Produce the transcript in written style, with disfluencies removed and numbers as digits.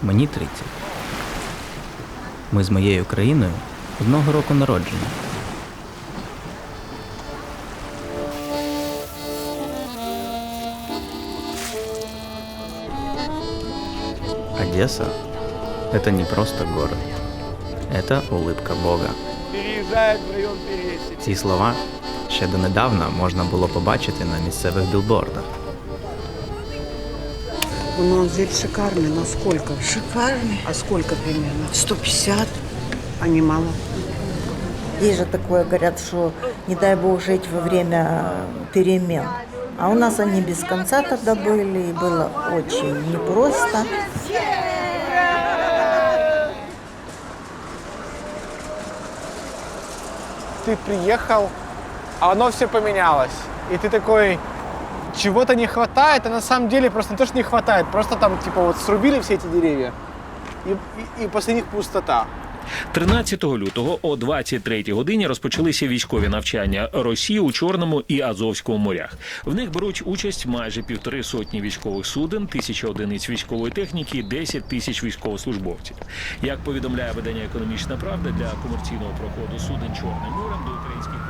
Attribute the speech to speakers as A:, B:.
A: Мені 30. Ми з моєю країною одного року народження. Одесса – это не просто город. Это улыбка Бога.
B: Переезжает в район Пересечи.
A: Ці слова ще донедавна можна було побачити на місцевих білбордах.
C: Ну, он здесь шикарный, но сколько?
D: Шикарный.
C: А сколько примерно?
D: 150.
C: А не мало?
D: Есть же такое, говорят, что не дай бог жить во время перемен. А у нас они без конца тогда были, и было очень непросто.
B: Ты приехал, а оно все поменялось. И ты такой, чего-то не хватает, а на самом деле просто не то, что не хватает, просто там типа вот срубили все эти деревья, и после них пустота.
E: 13 лютого о 23-й годині розпочалися військові навчання Росії у Чорному і Азовському морях. В них беруть участь майже 1,5 сотні військових суден, 1000 одиниць військової техніки і 10 тисяч військовослужбовців. Як повідомляє видання «Економічна правда», для комерційного проходу суден Чорним морем до українських